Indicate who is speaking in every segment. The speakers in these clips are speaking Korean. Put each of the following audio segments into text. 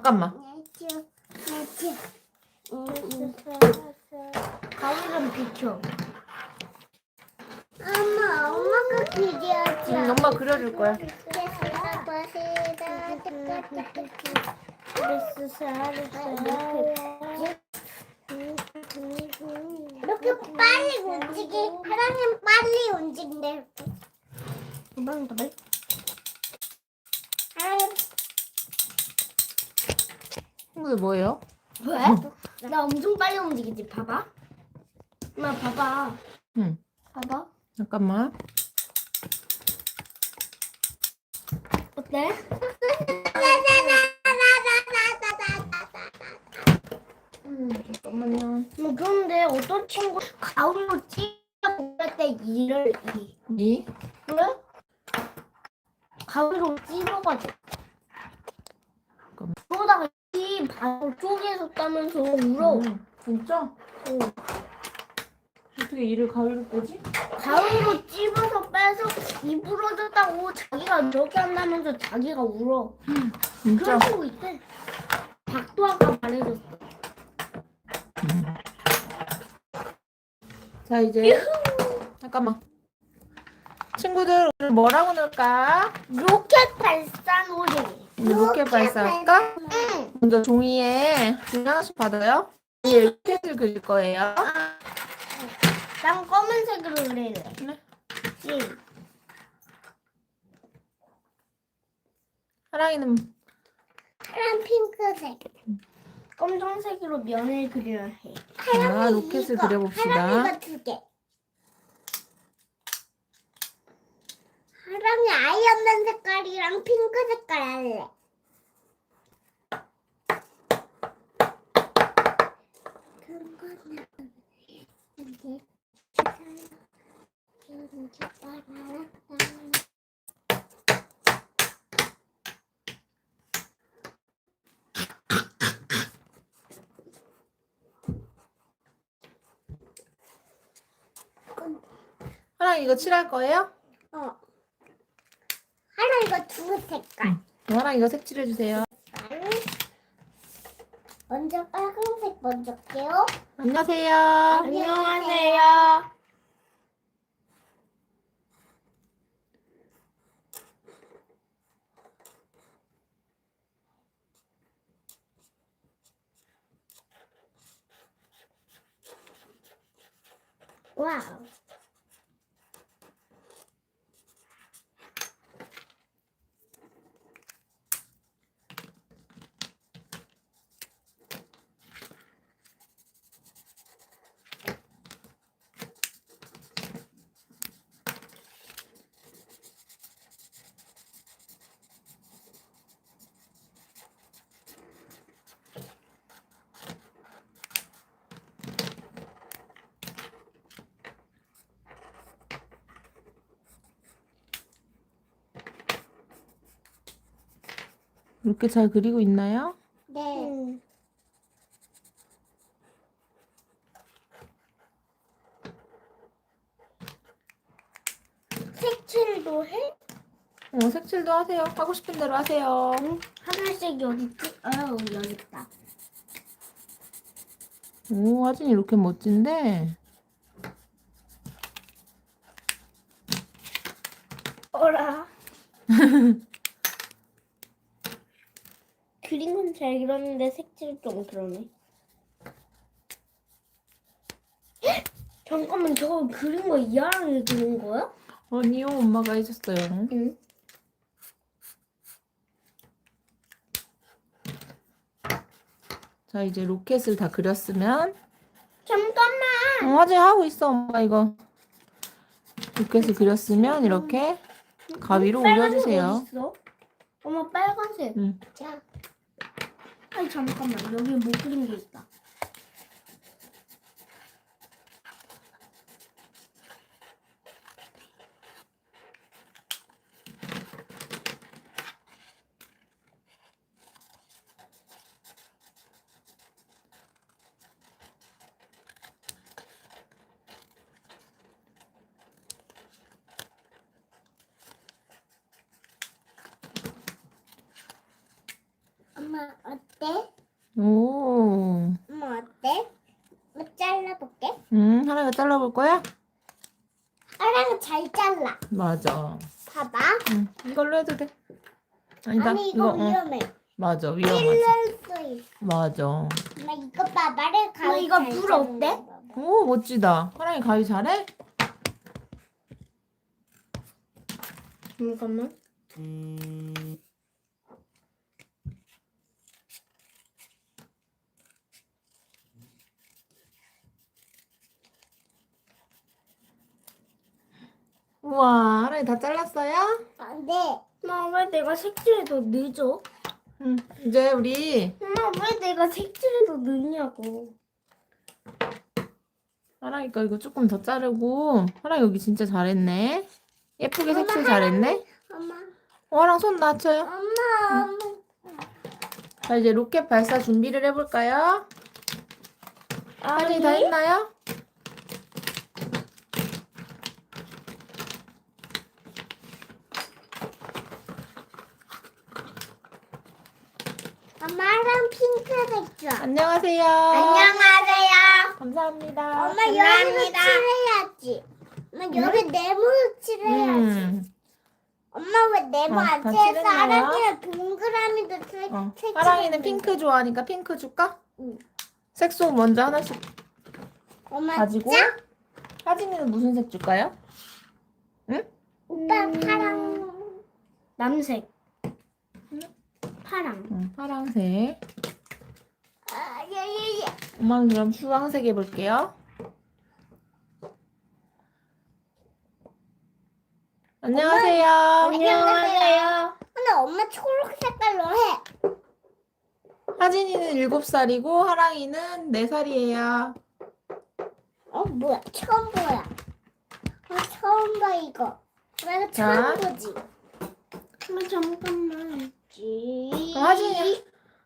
Speaker 1: 잠깐만.
Speaker 2: 가위를 비켜.
Speaker 3: 엄마가 그려줘.
Speaker 1: 엄마 그려줄 거야.
Speaker 3: 이렇게 빨리 하나님 빨리 움직인대.
Speaker 2: 한번 더 해.
Speaker 3: 하나님
Speaker 1: 친구들 뭐예요?
Speaker 2: 왜? 나 엄청 빨리 움직이지. 봐봐. 엄마 봐봐.
Speaker 1: 응.
Speaker 2: 봐봐.
Speaker 1: 잠깐만.
Speaker 2: 어때?
Speaker 1: 잠깐만요.
Speaker 2: 그런데 어떤 친구 가운으로 찔러볼 때 이를
Speaker 1: 이?
Speaker 2: 그래? 가위로 찔러가지고
Speaker 1: 잠깐만.
Speaker 2: 그러다가 이 바로 쪼개서 따면서 울어.
Speaker 1: 진짜?
Speaker 2: 응.
Speaker 1: 어떻게 이를 가위로 빼지?
Speaker 2: 가위로 찝어서 빼서 이 부러졌다고 자기가 이렇게 한다면서 자기가 울어.
Speaker 1: 진짜?
Speaker 2: 그런 친구 있대. 박도 아까 말해줬어.
Speaker 1: 자 이제 잠깐만. 친구들 오늘 뭐라고 넣을까?
Speaker 2: 로켓 발사 놀이.
Speaker 1: 오늘 로켓 발사할까?
Speaker 2: 응.
Speaker 1: 먼저 종이에 종이 하나씩 받아요. 위에 로켓을 그릴 거예요.
Speaker 2: 난 검은색으로 그릴래.
Speaker 1: 네.
Speaker 2: 응.
Speaker 1: 하랑이는
Speaker 3: 파란 핑크색.
Speaker 2: 검정색으로 면을 그려야 해.
Speaker 1: 자, 로켓을 그려봅시다.
Speaker 3: 하랑이가 2개. 하랑이 아이언맨 색깔이랑 핑크 색깔 할래.
Speaker 1: 하랑이 이거 칠할 거예요?
Speaker 3: 하랑이가 2 색깔.
Speaker 1: 하랑이 이거 색칠해 주세요.
Speaker 3: 먼저 빨간색 먼저 할게요.
Speaker 1: 안녕하세요.
Speaker 2: 안녕하세요.
Speaker 3: 와우.
Speaker 1: 이렇게 잘 그리고 있나요?
Speaker 3: 네.
Speaker 2: 색칠도 해?
Speaker 1: 색칠도 하세요. 하고 싶은 대로 하세요.
Speaker 2: 하늘색이 어딨지? 여기 있다.
Speaker 1: 오, 하진이 이렇게 멋진데?
Speaker 2: 어라. 그린 건 잘 그렸는데 색칠 좀 그러네. 잠깐만, 저거 그린 거 이하랑이 그린 거야?
Speaker 1: 아니요, 엄마가 해줬어요.
Speaker 2: 응.
Speaker 1: 자, 이제 로켓을 다 그렸으면
Speaker 2: 잠깐만.
Speaker 1: 하진 하고 있어, 엄마 이거. 로켓을 그렸으면 이렇게 가위로
Speaker 2: 빨간색
Speaker 1: 올려주세요.
Speaker 2: 어딨어? 엄마 빨간색.
Speaker 1: 응.
Speaker 3: 자,
Speaker 2: 아니 잠깐만, 여기 못 그린 게 있다.
Speaker 3: 엄마 엄마 어때?
Speaker 1: 오.
Speaker 3: 엄마 어때? 잘라볼게.
Speaker 1: 하나가 잘라볼 거야?
Speaker 3: 하랑은 잘 잘라.
Speaker 1: 맞아.
Speaker 3: 봐봐.
Speaker 1: 이걸로 해도 돼. 아니다.
Speaker 3: 아니 이거
Speaker 1: 어.
Speaker 3: 위험해.
Speaker 1: 맞아, 위험하지.
Speaker 3: 찔릴 수 있어.
Speaker 1: 맞아.
Speaker 3: 엄마 이거 봐. 말을
Speaker 2: 엄마, 이거 불 어때?
Speaker 1: 오, 멋지다. 하랑이 가위 잘해?
Speaker 2: 잠깐만.
Speaker 1: 우와, 하랑이 다 잘랐어요?
Speaker 3: 안 돼.
Speaker 2: 엄마 왜 내가 색칠해도 늦어?
Speaker 1: 이제 우리
Speaker 2: 엄마 왜 내가 색칠해도 늦냐고.
Speaker 1: 하랑이 거 이거 조금 더 자르고 하랑이 여기 진짜 잘했네. 예쁘게 색칠 잘했네.
Speaker 3: 엄마.
Speaker 1: 하랑 손 낮춰요.
Speaker 3: 엄마.
Speaker 1: 자, 이제 로켓 발사 준비를 해볼까요? 하랑이 다 했나요?
Speaker 3: 엄마랑 핑크색 줘.
Speaker 1: 안녕하세요.
Speaker 3: 안녕하세요.
Speaker 1: 감사합니다.
Speaker 3: 엄마 여기로 칠해야지. 엄마 여기 네모로 칠해야지.
Speaker 1: 음.
Speaker 3: 엄마 왜 네모 안
Speaker 1: 다
Speaker 3: 칠해서
Speaker 1: 칠했나요?
Speaker 3: 하랑이랑 동그라미도 칠
Speaker 1: 하랑이는 핑크 좋아하니까 핑크 줄까?
Speaker 3: 응.
Speaker 1: 색소 먼저 하나씩
Speaker 3: 엄마
Speaker 1: 가지고.
Speaker 3: 짜?
Speaker 1: 하진이는 무슨 색 줄까요?
Speaker 3: 오빠 파랑.
Speaker 2: 남색. 파랑.
Speaker 1: 파랑색.
Speaker 3: 아, 예.
Speaker 1: 엄마는 그럼 주황색 해볼게요. 안녕하세요.
Speaker 3: 안녕하세요. 근데 엄마 초록 색깔로 해.
Speaker 1: 하진이는 7살이고 하랑이는 4살이에요.
Speaker 3: 뭐야? 처음 보야. 처음 봐 이거. 내가
Speaker 1: 자.
Speaker 3: 처음 보지.
Speaker 2: 엄마 잠깐만.
Speaker 1: 그럼 하진이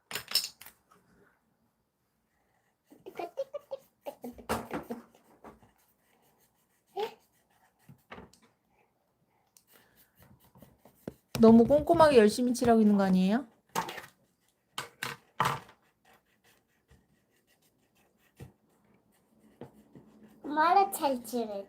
Speaker 1: 너무 꼼꼼하게 열심히 칠하고 있는 거 아니에요?
Speaker 3: 엄마를 잘 칠해.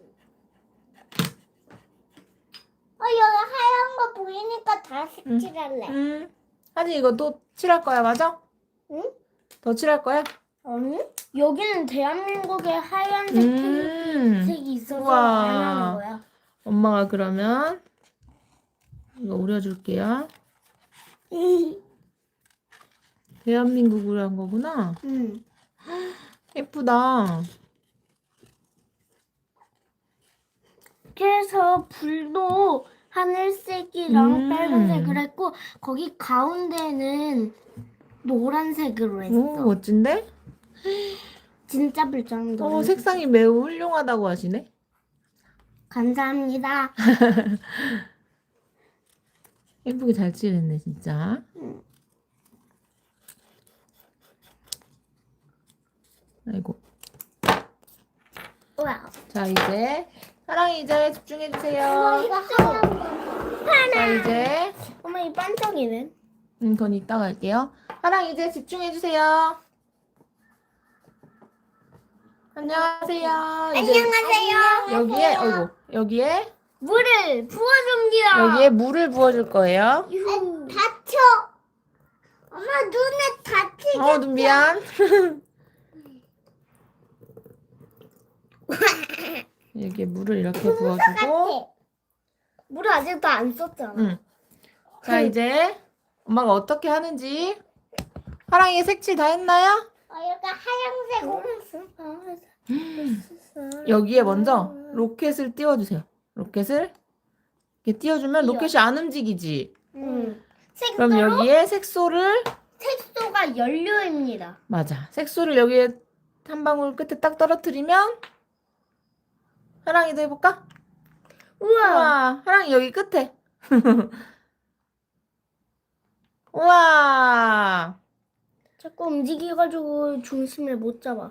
Speaker 3: 여기 하얀 거 보이니까 다 색칠할래.
Speaker 1: 하진 이거 또 칠할 거야, 맞아?
Speaker 3: 응?
Speaker 1: 더 칠할 거야?
Speaker 2: 아니? 여기는 대한민국의 하얀색
Speaker 1: 음.
Speaker 2: 색이 있어서
Speaker 1: 우와.
Speaker 2: 안 하는 거야.
Speaker 1: 엄마가 그러면 이거 우려줄게요. 대한민국으로 한 거구나.
Speaker 2: 응.
Speaker 1: 예쁘다.
Speaker 2: 그래서 불도 하늘색이랑 빨간색을 했고 거기 가운데는 노란색으로 했어.
Speaker 1: 오, 멋진데?
Speaker 2: 진짜 불장도.
Speaker 1: 색상이 매우 훌륭하다고 하시네.
Speaker 2: 감사합니다.
Speaker 1: 예쁘게 잘 칠했네, 진짜. 아이고.
Speaker 2: 우와.
Speaker 1: 자, 이제 사랑이 이제 집중해주세요.
Speaker 3: 이거 하얀 거.
Speaker 1: 자, 이제
Speaker 2: 엄마 이 반짝이는?
Speaker 1: 그건 이따가 할게요. 사랑 이제 집중해주세요. 안녕하세요. 이제
Speaker 3: 안녕하세요.
Speaker 1: 여기에, 어이구, 여기에,
Speaker 2: 물을 부어줍니다.
Speaker 1: 여기에 물을 부어줄 거예요.
Speaker 3: 다쳐. 엄마 눈에 다치게.
Speaker 1: 눈 미안. 여기에 물을 이렇게 부어주고.
Speaker 2: 물을 아직도 안 썼잖아.
Speaker 1: 응. 자, 이제 엄마가 어떻게 하는지. 하랑이 색칠 다 했나요?
Speaker 3: 여기 하얀색.
Speaker 1: 여기에 먼저 로켓을 띄워주세요. 로켓을 이렇게 띄워주면 로켓이 안 움직이지.
Speaker 2: 응.
Speaker 1: 그럼 여기에 색소를,
Speaker 2: 색소가 연료입니다.
Speaker 1: 맞아. 색소를 여기에 한 방울 끝에 딱 떨어뜨리면, 하랑이도 해볼까? 우와, 하랑이 여기 끝에. 우와.
Speaker 2: 자꾸 움직여가지고 중심을 못 잡아.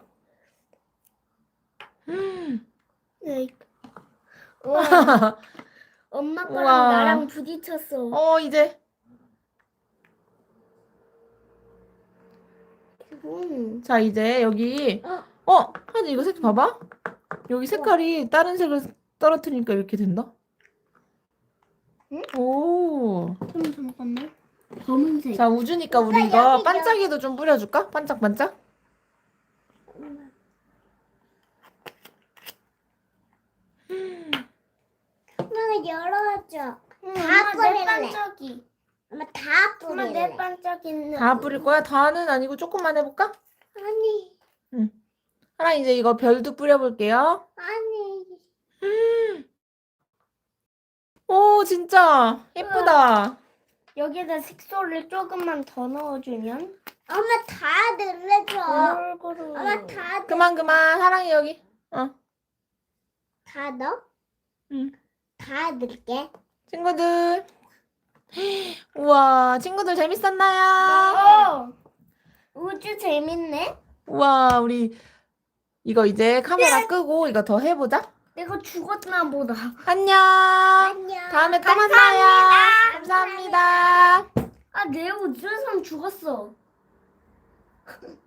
Speaker 2: 네. 우와. 엄마 거랑
Speaker 1: 우와.
Speaker 2: 나랑 부딪혔어.
Speaker 1: 이제 자, 이제 여기 하지 이거 색 봐봐. 여기 색깔이 다른 색을 떨어뜨리니까 이렇게 된다.
Speaker 2: 응?
Speaker 1: 오.
Speaker 2: 잠깐만. 검은색.
Speaker 1: 자, 우주니까 우리
Speaker 3: 오빠,
Speaker 1: 이거
Speaker 3: 여기
Speaker 1: 반짝이도 좀 뿌려줄까? 반짝반짝.
Speaker 3: 엄마가 열어줘.
Speaker 2: 응,
Speaker 3: 다
Speaker 2: 엄마 내
Speaker 3: 뿌릴래.
Speaker 2: 반짝이.
Speaker 3: 엄마 다
Speaker 2: 엄마 내
Speaker 3: 뿌릴래.
Speaker 2: 반짝이는.
Speaker 1: 다 뿌릴 거야? 다는 아니고 조금만 해볼까?
Speaker 3: 아니,
Speaker 1: 하나 이제 이거 별도 뿌려볼게요.
Speaker 3: 아니.
Speaker 1: 오, 진짜 예쁘다.
Speaker 2: 여기에다 색소를 조금만 더 넣어주면.
Speaker 3: 엄마 다 늘려줘.
Speaker 2: 골고루.
Speaker 3: 엄마 다
Speaker 1: 그만 사랑이 여기.
Speaker 3: 다 넣어?
Speaker 1: 응.
Speaker 3: 다 넣을게.
Speaker 1: 친구들. 우와, 친구들 재밌었나요?
Speaker 2: 우주 재밌네.
Speaker 1: 우와, 우리 이거 이제 카메라 끄고 이거 더 해보자.
Speaker 2: 내가 죽었나 보다.
Speaker 1: 안녕.
Speaker 3: 안녕.
Speaker 1: 다음에 또 만나요. 감사합니다.
Speaker 2: 아, 내 우주선 죽었어.